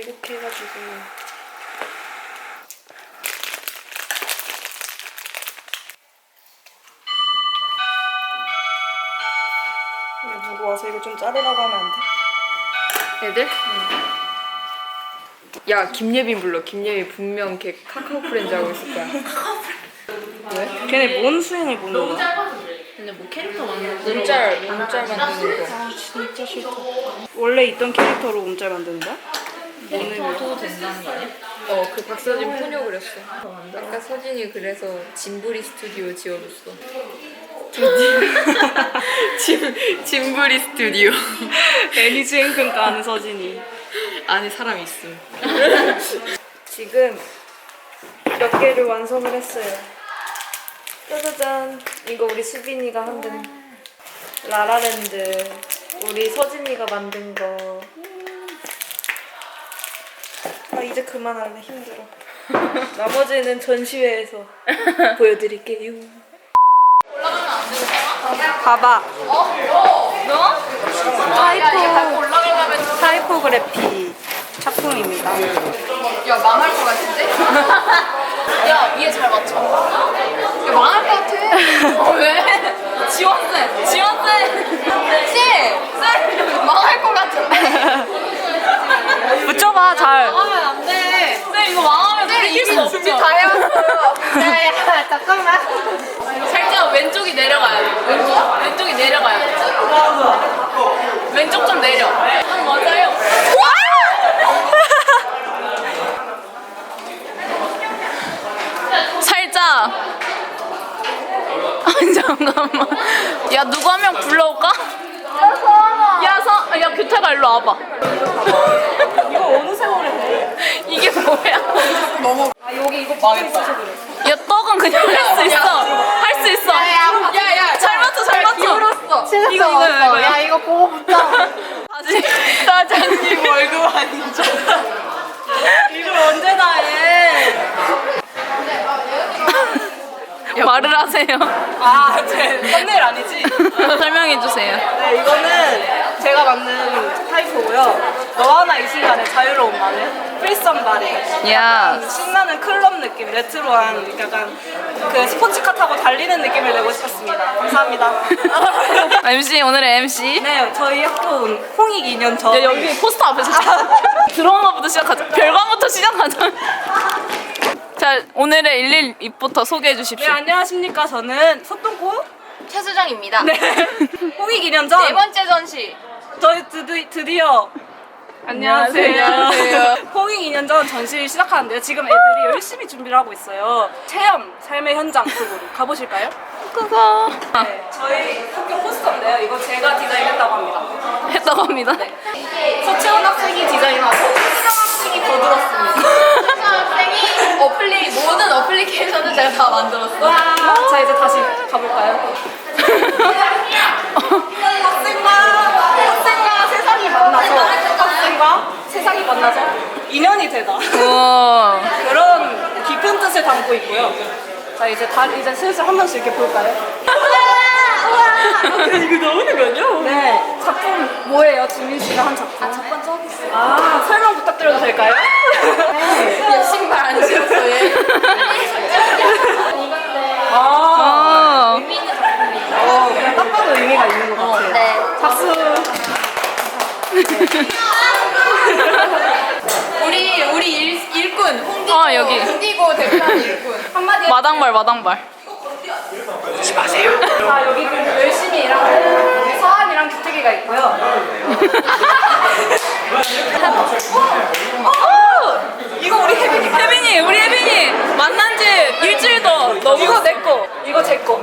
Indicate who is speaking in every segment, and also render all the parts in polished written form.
Speaker 1: 왜곡해가지고. 근데 누구 와서 이거 좀 자르라고 하면 안 돼?
Speaker 2: 애들? 야, 김예빈 불러. 김예빈 분명 걔 카카오 프렌즈 하고 있을 거야.
Speaker 1: 왜? 걔네 뭔 수행을 보는 거야?
Speaker 2: 근데 뭐 캐릭터 만드는 문짤 만드는 거.
Speaker 1: 아 진짜 싫다. 원래 있던 캐릭터로 몸짤 만드는 거야?
Speaker 2: 캐릭터도 된다는 거 아니야? 그 박서진 푸녀 그렸어. 아까 서진이 그래서 짐부리 스튜디오 지어줬어. 짐부리 스튜디오.
Speaker 1: 애니 수행평가 하는 서진이.
Speaker 2: 안에 사람 있음.
Speaker 1: 지금 몇 개를 완성을 했어요. 짜자잔. 이거 우리 수빈이가 만든 라라랜드. 우리 서진이가 만든 거. 아 이제 그만할래. 힘들어. 나머지는 전시회에서 보여드릴게요.
Speaker 3: 올라가면 안 되겠다.
Speaker 1: 봐봐.
Speaker 3: 너? 올라가려면
Speaker 1: 타이포그래피 작품입니다.
Speaker 3: 야 망할 것 같은데? 야 위에 잘 맞춰. 야 망할 것 같아. 왜? 지원쌤. 쌤 망할 것 같은데.
Speaker 1: 붙여봐 잘.
Speaker 3: 망하면 안 돼. 쌤 이거 망하면 쌤 이길 수 없죠. 준비 다 해왔어요. 야 잠깐만. 살짝 왼쪽이 내려가야 돼. 왼쪽이 내려가야 돼. 왼쪽 좀 내려. 맞아요. 살짝. 아니 잠깐만. 야 누구 한 명 불러올까? 야 규태가 일로 와봐.
Speaker 1: 이거 어느 세월에 해?
Speaker 3: 이게 뭐야?
Speaker 1: 아 여기 이거 망했다.
Speaker 3: 야 떡은 그냥 할 수 있어. 할 수 있어. 야야 잘 맞춰 잘 맞춰.
Speaker 1: 이거.
Speaker 3: 야 이거 보고 붙자. 다시 사장님 월급 아니죠?
Speaker 1: 이걸 언제나 해.
Speaker 3: 말을 하세요.
Speaker 1: 아, 제 썸네일 아니지?
Speaker 3: 설명해 주세요.
Speaker 1: 네, 이거는 제가 만든 타이포고요. 너와 나 이 시간의 자유로운 마늘, 프리썸 바리.
Speaker 3: 야.
Speaker 1: 신나는 클럽 느낌, 레트로한 약간 그 스포츠카 타고 달리는 느낌을 내고 싶었습니다. 감사합니다.
Speaker 3: MC 오늘의 MC.
Speaker 1: 네, 저희 학교 홍익 2년 전.
Speaker 3: 야 여기 포스터 앞에서 드라마부터 시작하자. 별관부터 시작하자. 자 오늘의 112부터 소개해
Speaker 1: 네,
Speaker 3: 주십시오.
Speaker 1: 안녕하십니까. 저는 소똥코
Speaker 4: 최수정입니다.
Speaker 1: 네. 홍익 2년 전.
Speaker 4: 네 번째 전시.
Speaker 1: 저희 드디어
Speaker 3: 안녕하세요.
Speaker 1: 홍익 2년 전 전시를 시작하는데요. 지금 애들이 열심히 준비를 하고 있어요. 체험, 삶의 현장 쪽으로 가보실까요?
Speaker 3: 그거
Speaker 1: 네, 저희 학교 포스터인데요. 이거 제가 디자인했다고 합니다.
Speaker 3: 했다고 합니다.
Speaker 1: 서채원 학생이 디자인하고 수정 학생이 거들었습니다.
Speaker 4: 학생이 모든 어플리케이션을 제가 다 만들었어.
Speaker 1: 와, 자 이제 다시 가볼까요? 학생과 세상이 만나서 인연이 되다.
Speaker 3: 우와.
Speaker 1: 그런 깊은 뜻을 담고 있고요. 자 이제 이제 슬슬 한 번씩 이렇게 볼까요? 이거 나오는 거 아니야? 네. 작품 뭐예요? 지민 씨가 한 작품.
Speaker 4: 첫 번째 저기 있어.
Speaker 1: 아 설명 부탁드려도 될까요?
Speaker 4: 얘 신발 안 신었어 얘.
Speaker 1: 아.
Speaker 3: 어.
Speaker 4: 의미 있는 작품이에요.
Speaker 1: 그냥 딱 봐도 의미가 있는 것 같아요.
Speaker 4: 네.
Speaker 1: 박수.
Speaker 4: 우리 일꾼 홍디고.
Speaker 3: 여기.
Speaker 4: 홍디고 대표하는 일꾼. 한마디.
Speaker 3: 마당발.
Speaker 1: 자 여기 열심히 일하는 서한이랑 규택이가 있고요. 이거 우리 혜빈이.
Speaker 3: 우리 혜빈이 만난 지 일주일도 넘었어.
Speaker 1: 이거 내 거. 이거 제 거.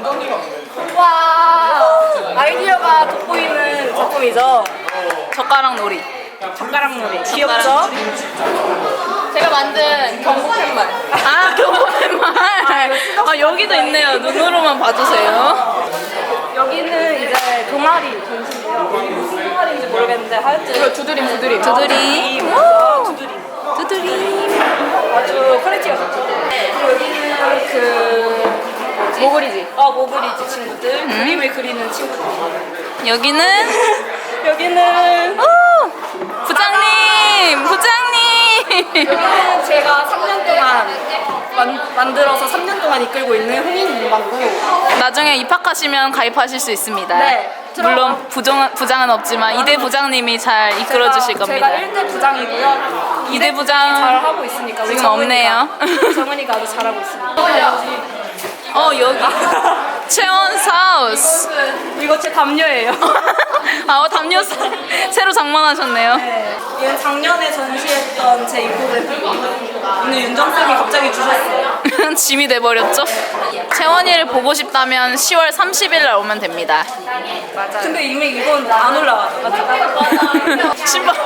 Speaker 1: 와. 아이디어가 돋보이는 작품이죠.
Speaker 3: 젓가락 놀이.
Speaker 1: 젓가락 놀이. 귀엽죠?
Speaker 4: 제가 만든 경고 팻말.
Speaker 3: 아 경고의 말. 아 여기도 있네요. 눈으로만 봐주세요.
Speaker 1: 여기는 이제 동아리 전시인데요. 무슨 동아리인지 모르겠는데 하여튼
Speaker 3: 두드림. 두드림.
Speaker 1: 아주 퀄리티가 좋죠. 그리고 여기는 그
Speaker 3: 모글이지.
Speaker 1: 모글이지 친구들 그림을 그리는 친구들.
Speaker 3: 여기는
Speaker 1: 여기는
Speaker 3: 부장님.
Speaker 1: 여기는 제가 3년 동안 만들어서 3년 동안 이끌고 있는 흥인 문방구.
Speaker 3: 나중에 입학하시면 가입하실 수 있습니다.
Speaker 1: 네.
Speaker 3: 물론 부장은 없지만 이대 부장님이 잘 이끌어 주실 겁니다.
Speaker 1: 제가 1대 부장이고요.
Speaker 3: 2대 부장
Speaker 1: 잘 하고 있으니까 우리
Speaker 3: 지금 없네요.
Speaker 1: 정은이가 아주 잘하고 있습니다.
Speaker 3: 여기 채원 사우스.
Speaker 1: 이거 제 담요예요.
Speaker 3: 담요 새로 장만하셨네요.
Speaker 1: 네. 얘는 작년에 전시했던 제 인포대입니다. 오늘 윤정쌤이 갑자기 주셨어요.
Speaker 3: 짐이 돼버렸죠? 채원이를 보고 싶다면 10월 30일 날 오면 됩니다.
Speaker 1: 근데 이미 이건 안 올라와요. 맞죠?
Speaker 3: 신발.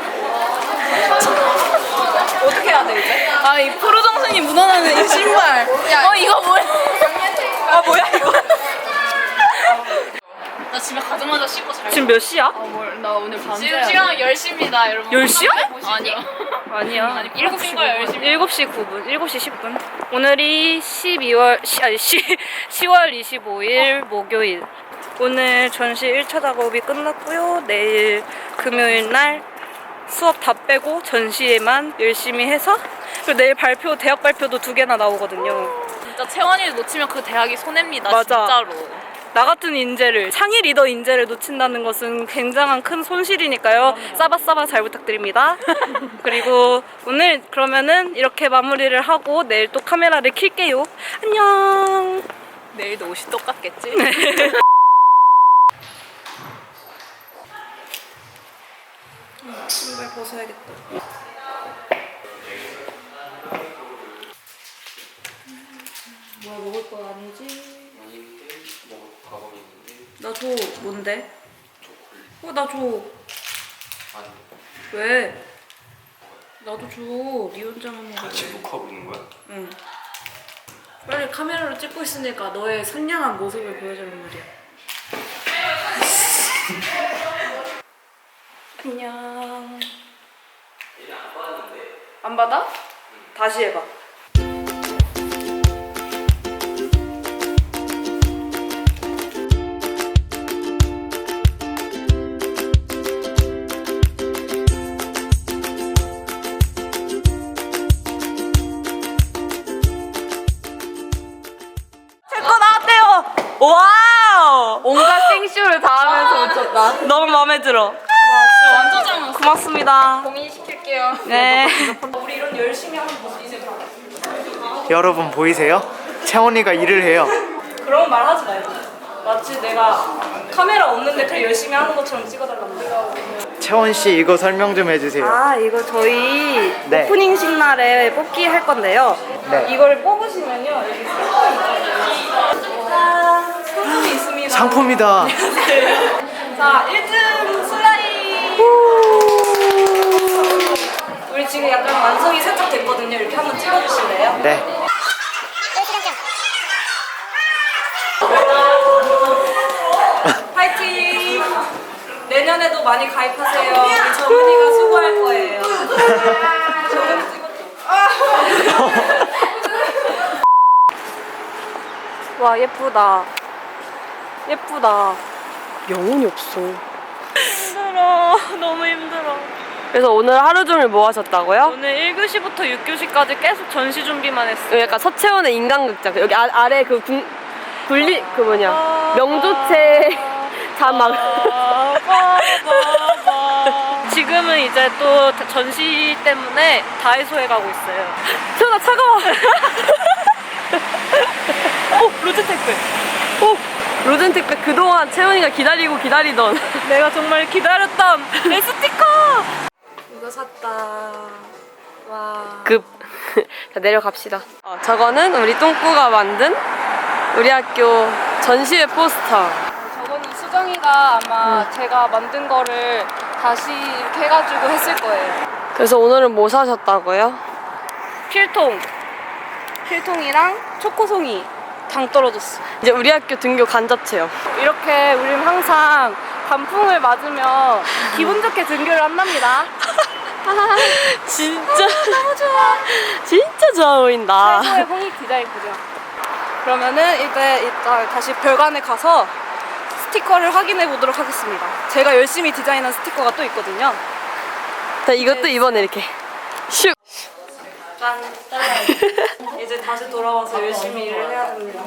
Speaker 1: 어떻게 해야 돼 이제?
Speaker 3: 이 프로 정신이 묻어나는 이 신발. 이거 뭐야?
Speaker 1: 아 뭐야 이거?
Speaker 3: 나 집에 가자마자 씻고 잘.
Speaker 1: 지금 몇 시야?
Speaker 3: 나 오늘 밤새. 지금 시간 10시입니다, 여러분.
Speaker 1: 10시야?
Speaker 3: 아니.
Speaker 1: 아니야.
Speaker 3: 7시인 거야, 10시.
Speaker 1: 7시 9분, 7시 10분. 오늘이 10월 25일 목요일. 오늘 전시 1차 작업이 끝났고요. 내일 금요일 날 수업 다 빼고 전시에만 열심히 해서 그리고 내일 발표, 대학 발표도 2개나 나오거든요.
Speaker 3: 진짜 채원이를 놓치면 그 대학이 손해입니다,
Speaker 1: 맞아.
Speaker 3: 진짜로.
Speaker 1: 나 같은 인재를, 상위 리더 인재를 놓친다는 것은 굉장한 큰 손실이니까요. 싸바싸바 잘 부탁드립니다. 그리고 오늘 그러면은 이렇게 마무리를 하고 내일 또 카메라를 킬게요. 안녕.
Speaker 3: 내일도 옷이 똑같겠지?
Speaker 1: 신발 벗어야겠다. 뭐야, 먹을 거 아니지? 나 줘. 뭔데? 나 줘. 왜? 나도 줘. 니 혼자만 먹어.
Speaker 5: 같이 녹화하고 있는 거야?
Speaker 1: 응. 빨리 카메라로 찍고 있으니까 너의 선량한 모습을 보여주는 말이야. 안녕. 안 받아? 다시 해봐. 제거 나왔대요. 와우.
Speaker 2: 온갖 생쇼를 다 하면서 웃었다.
Speaker 1: 너무 마음에 들어.
Speaker 3: 완전 잘 먹었어.
Speaker 1: 고맙습니다.
Speaker 2: 고민시킬게요.
Speaker 1: 네. 우리 이런 열심히 하는 모습 이제
Speaker 6: 여러분 보이세요? 채원이가 일을 해요.
Speaker 1: 그런 말 하지 말고. 마치 내가 카메라 없는데 되게 열심히 하는 것처럼 찍어달라고.
Speaker 6: 채원 씨 이거 설명 좀 해주세요.
Speaker 1: 아, 이거 저희
Speaker 6: 네.
Speaker 1: 오프닝식 날에 뽑기 할 건데요.
Speaker 6: 네.
Speaker 1: 이걸 뽑으시면요. 여기 상품이 있습니다.
Speaker 6: 상품이다.
Speaker 1: 자, 1등 슬라임. 우리 지금 약간 완성이 살짝 됐거든요. 이렇게 한번 찍어주실래요?
Speaker 6: 네.
Speaker 1: 파이팅! 내년에도 많이 가입하세요. 우리 정은이가 수고할 거예요. 정은이 찍어줘. 와, 예쁘다. 예쁘다.
Speaker 7: 영혼이 없어.
Speaker 1: 힘들어. 너무 힘들어.
Speaker 7: 그래서 오늘 하루 종일 뭐 하셨다고요?
Speaker 1: 오늘 1교시부터 6교시까지 계속 전시 준비만 했어요.
Speaker 7: 여기 약간 서채원의 인간극장. 여기 아래 그 분리 그 뭐냐 명조체 자막.
Speaker 1: 지금은 이제 또 전시 때문에 다이소에 가고 있어요.
Speaker 7: 채원아 차가워.
Speaker 1: 로즈테크.
Speaker 7: 로젠택배 그동안 채원이가 기다리고 기다리던.
Speaker 1: 내가 정말 기다렸던 내 스티커. 이거 샀다. 와.
Speaker 7: 자 내려갑시다. 저거는 우리 똥꾸가 만든 우리 학교 전시회 포스터.
Speaker 1: 저거는 수정이가 아마 제가 만든 거를 다시 이렇게 해가지고 했을 거예요.
Speaker 7: 그래서 오늘은 뭐 사셨다고요?
Speaker 1: 필통이랑 초코송이 당 떨어졌어.
Speaker 7: 이제 우리 학교 등교 간자체요.
Speaker 1: 이렇게 우리는 항상 단풍을 맞으며 기분 좋게 등교를 한답니다.
Speaker 7: 진짜 너무 좋아. 진짜 좋아 보인다.
Speaker 1: 최고의 홍익 디자인 구경. 그러면은 이따 다시 별관에 가서 스티커를 확인해 보도록 하겠습니다. 제가 열심히 디자인한 스티커가 또 있거든요.
Speaker 7: 자 이것도 이번에 이렇게 슉
Speaker 1: 약간 이제 다시 돌아와서 열심히 일을 해야 됩니다.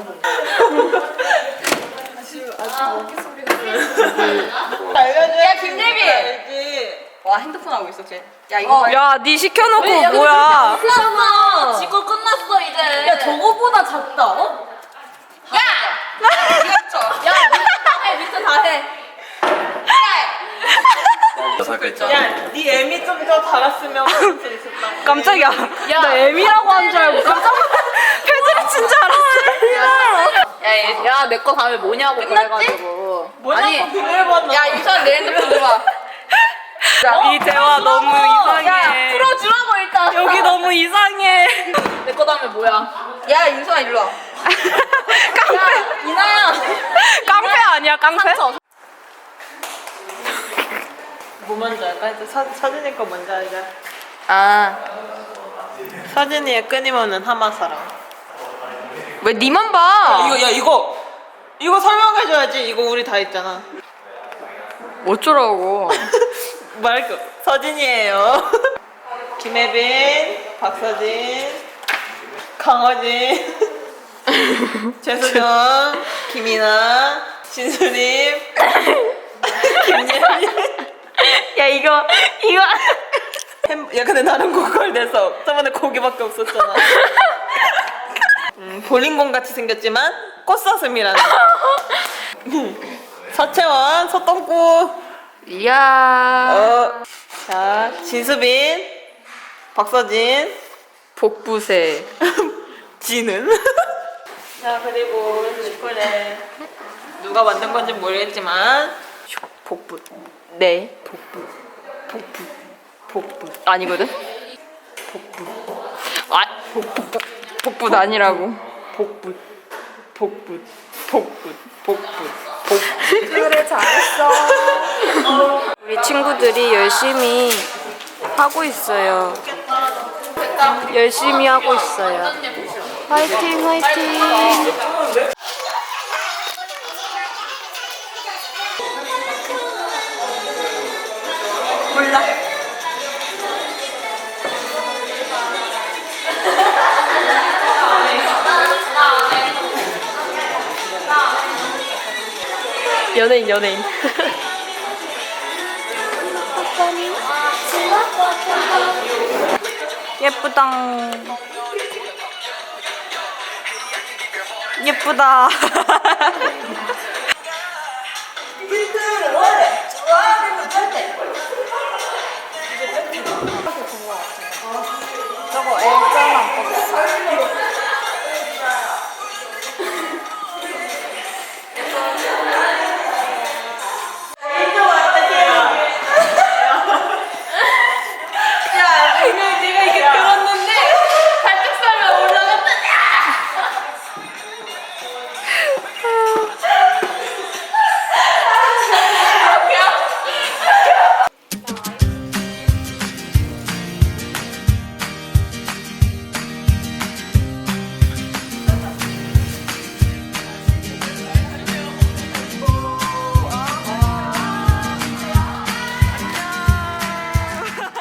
Speaker 4: 야 김예빈. 와 핸드폰 하고 있어 쟤. 야 이거
Speaker 1: 야, 니 시켜놓고 뭐야?
Speaker 4: 끝났어. 지금 끝났어 이제. 야 저거보다 작다. 어? 야. 야 밑에 다 해.
Speaker 3: 네 애미 좀 더 달았으면 볼수 있었다.
Speaker 1: 깜짝이야. 나 M이라고 한 줄 알고 깜짝 패드립 친 줄 알았어.
Speaker 4: 야내 거 다음에 뭐냐고 그래가지고.
Speaker 3: 뭐냐고 비밀번호.
Speaker 4: 야 유선 내 핸드폰 줘봐.
Speaker 1: 이 대화 너무 이상해.
Speaker 4: 풀어주라고 일단.
Speaker 1: 여기 너무 이상해.
Speaker 4: 내 거 다음에 뭐야? 야 윤수아 일로 와.
Speaker 1: 깡패.
Speaker 4: 이나야.
Speaker 1: 깡패 아니야, 깡패?
Speaker 3: 뭐 먼저 할까? 이제 서진이 거 먼저 하자.
Speaker 4: 아.
Speaker 3: 서진이의 끊임없는 하마사랑.
Speaker 4: 왜 니만 봐?
Speaker 3: 이거 설명해줘야지. 이거 우리 다 했잖아.
Speaker 4: 어쩌라고?
Speaker 3: 말고 서진이에요. 김혜빈, 박서진, 강어진, 최수정, 김이나, 진수림, 김예빈.
Speaker 7: 야 이거
Speaker 3: 야 근데 나는 고퀄 돼서 저번에 고기밖에 없었잖아. 볼링공 같이 생겼지만 꽃사슴이라는. 서채원, 서똥꾸.
Speaker 4: 이야.
Speaker 3: 자 진수빈, 박서진,
Speaker 4: 복부새.
Speaker 3: 지는. 자 그리고 슈크레 누가 만든 건지 모르겠지만 복부.
Speaker 4: 네.
Speaker 3: 복부.
Speaker 4: 아니거든. 아 복부 아니라고.
Speaker 3: 복부.
Speaker 1: 그래, 잘했어. 우리 친구들이 열심히 하고 있어요. 열심히 하고 있어요. 화이팅, 화이팅. 몰라.
Speaker 7: 연예인.
Speaker 1: 예쁘당. 예쁘다.